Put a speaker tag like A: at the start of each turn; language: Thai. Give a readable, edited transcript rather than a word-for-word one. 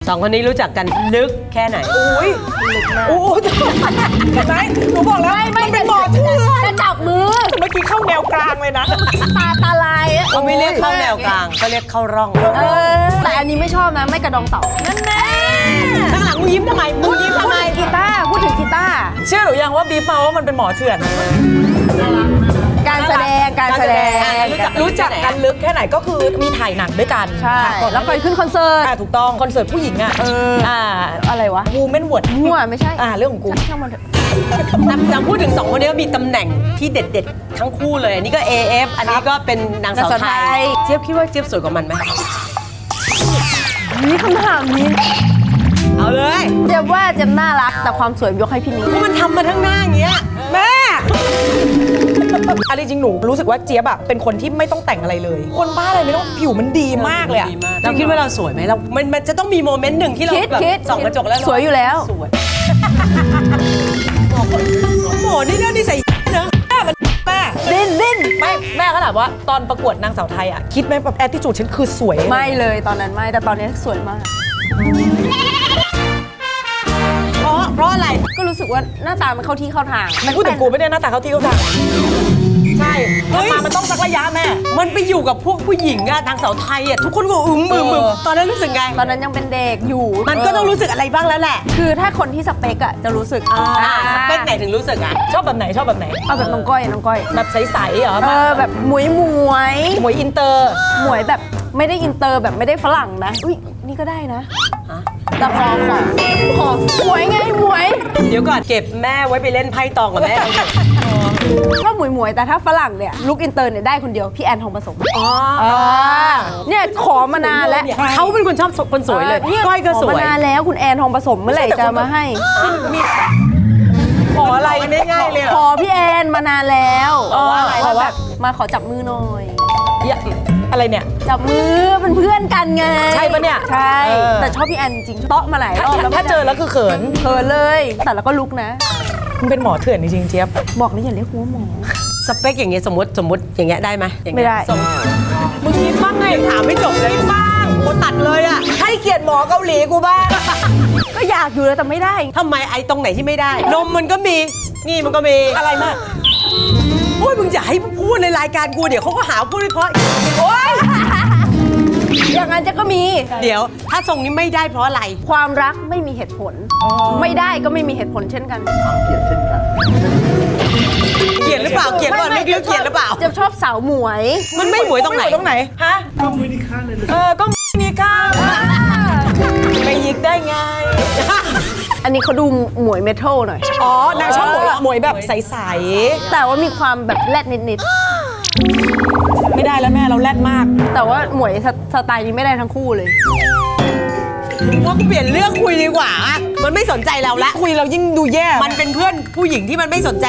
A: สองคนนี้รู้จักกันลึกแค่ไหน
B: อุ้ย
C: ลึกมาก
B: โอ้ยเห็นไหมหนูบอกแล้วมันเป็นหมอเถื่อน
C: จะจับมือ
B: เมื่อกี้เข้าแนวกลางเลยนะ
C: ตาลายอะ
A: เขาไม่เรียกเข้าแนวกลางเขาเรียกเข้าร่อง
C: แต่อันนี้ไม่ชอบนะไม่กระดองเต่านั่นแน่
A: ข้างหลังมึงยิ้มทำไมมึงยิ้มทำไม
C: กีตาร์พูดถึงกีตาร์
B: เชื่อหรือยังว่าบีบมาว่ามันเป็นหมอเถื่อน
C: การแสดง
B: รู้จักกันลึกแค่ไหนก็คือมีถ่ายหนังด้วยกัน
C: ใช่
B: ก่อน
C: แล้วเคยขึ้นคอนเสิร์ต
B: ถูกต้องคอนเสิร์ตผู้หญิงอ่ะ
C: อะไรวะ
B: วูแมนวอร์ด
C: มั่วไม่ใช่
B: เรื่องของกู
C: ช่างมันเถอะ
A: จำพูดถึงสองคนนี้มีตำแหน่งที่เด็ดๆทั้งคู่เลยอันนี้ก็ AF อันนี้ก็เป็นนางสาวไทยเจี๊ยบคิดว่าเจี๊ยบสวยกว่ามันไหม
C: นี่คำถามนี้
A: เอาเลย
C: เจ็บว่าเจ็บน่ารักแต่ความสวยยกให้พี่นิ้ง
A: เพราะมันทำมาทั้งหน้าอย่างเงี้ย
B: แม่อะไรจริงหนูรู้สึกว่าเจี๊ยบเป็นคนที่ไม่ต้องแต่งอะไรเลย คนบ้าอะไรไม่ต้องผิวมันดีมากเลยอะ
A: ดีมากเราคิดว่าเราสวยไหมเรามันจะต้องมีโมเมนต์หนึ่งที่เราแบบส่องกระจกแล้ว
C: สวยอยู่แล้ว
A: สวยโหนี่เรื่องนิสัยเนอะ
B: แม่
C: ดิ้น
B: ไม่แม่ก็ถามว่าตอนประกวดนางสาวไทยอะคิดไหมแบบแอตติจูดฉันคือสวย
C: ไม่เลยตอนนั้นไม่แต่ตอนนี้สวยมาก
A: เพราะอะไร
C: ก็รู้สึกว่าหน้าตามันเข้าที่เข้าทาง
B: มันพูดถึงกูไม่ได้หน้าตาเขาที่เขาทางใช่มามันต้องสักระยะแม่
A: มันไปอยู่กับพวกผู้หญิงอะทางสาวไทยอะทุกคนก็อึมตอนนั้นรู้สึกไง
C: ตอนนั้นยังเป็นเด็กอยู่
A: มันก็ต้องรู้สึกอะไรบ้างแล้วแหละ
C: คือถ้าคนที่สเปกอะจะรู้สึก
A: สเปคไหนถึงรู้สึกอะ
B: ชอบแบบไหนชอบแบบไหน
C: เอาแบบน้องก้อยน้องก้อย
B: แบบใสๆเหรอ
C: แบบหมวย
B: หมวยอินเตอร์
C: หมวยแบบไม่ได้อินเตอร์แบบไม่ได้ฝรั่งนะอุ้ยนี่ก็ได้นะแต่ขอหมวยไงหมวย
A: เดี๋ยวก่อนเก็บแม่ไว้ไปเล่นไพ่ตองกับแม่
C: ชอบหมวยแต่ถ้าฝรั่งเนี่ยลุกอินเตอร์เนี่ยได้คนเดียวพี่แอนทองผสมเนี่ยขอมานานแล้ว
A: เขาเป็นคนชอบคนสวยเลย
C: นี่
A: ก้อยก็ส
C: ขอ
A: วย
C: มานานแล้วคุณแอนทองผสมเมื่อไหร่จะมาให้
B: ขออะไร
A: มันง่ายๆเลย
C: ขอพี่แอนมานานแล้ว
B: ขอว่า
C: มาขอจับมือหน่อย
B: อะไรเนี่ย
C: จับมือเป็นเพื่อนกันไง
B: ใช่ปะเนี่ย
C: ใช่
B: เออ
C: แต่ชอบพี่แอนจริงๆเตาะมาหลายรอบแล้ว
B: ถ้าเจอแล้วคือเขิน
C: เขินเลย แต่แล้วก็ลุกนะ
B: มึงเป็นหมอเถื่อนจริงๆเจี๊ยบ
C: บอกเลยอย่าเรียกหัวหมอ
A: สเปคอย่างเงี้ยสมมติอย่างเงี้ยได้ไหมอย่างเงี้ย
C: ไม่ได้
A: ส่งมึงคิดบ้างไงถามไม่จบเลยบ้างโมตัดเลยอะให้เกียรติหมอเกาหลีกูบ้าง
C: ก็อยากอยู่แล้วแต่ไม่ได้
A: ทำไมไอ้ตรงไหนที่ไม่ได้ นมมันก็มี นี่มันก็มี
B: อะไรมาก
A: โอ้ยมึงอย่าให้พูดในรายการกูเดี๋ยวเขาก็หาพูดไม่เพราะ
C: โอ๊ยอย่างนั้นจะก็มี
A: เดี๋ยว ถ้าทรงนี้ไม่ได้เพราะอะไร
C: ความรักไม่มีเหตุผล ไม่ได้ก็ไม่มีเหตุผลเช่นกัน
A: เกลียดหรือเปล่าเกลียดก่อนไม่เกลียดหรือเปล่า
C: จะชอบสาวหมวย
A: มันไม่หมวยตรงไหน
B: ตรงไหน ฮะ ก็มือนี่ข้างเลยก็มือนี่ข้างไปยิกได้ไง
C: อันนี้เขาดูหมวยเมทัลหน่อย
B: อ๋อนางชอบหมวยแบบใส
C: แต่ว่ามีความแบบแรดนิด
B: ๆ ไม่ได้แล้วแม่เราแรดมาก
C: ๆ แต่ว่าหมวยสไตล์นี้ไม่ได้ทั้งคู่เลย
A: ว่ากูเปลี่ยนเรื่องคุยดีกว่า มันไม่สนใจเราละ
B: คุยเรายิ่งดูแย่
A: มันเป็นเพื่อนผู้หญิงที่มันไม่สนใจ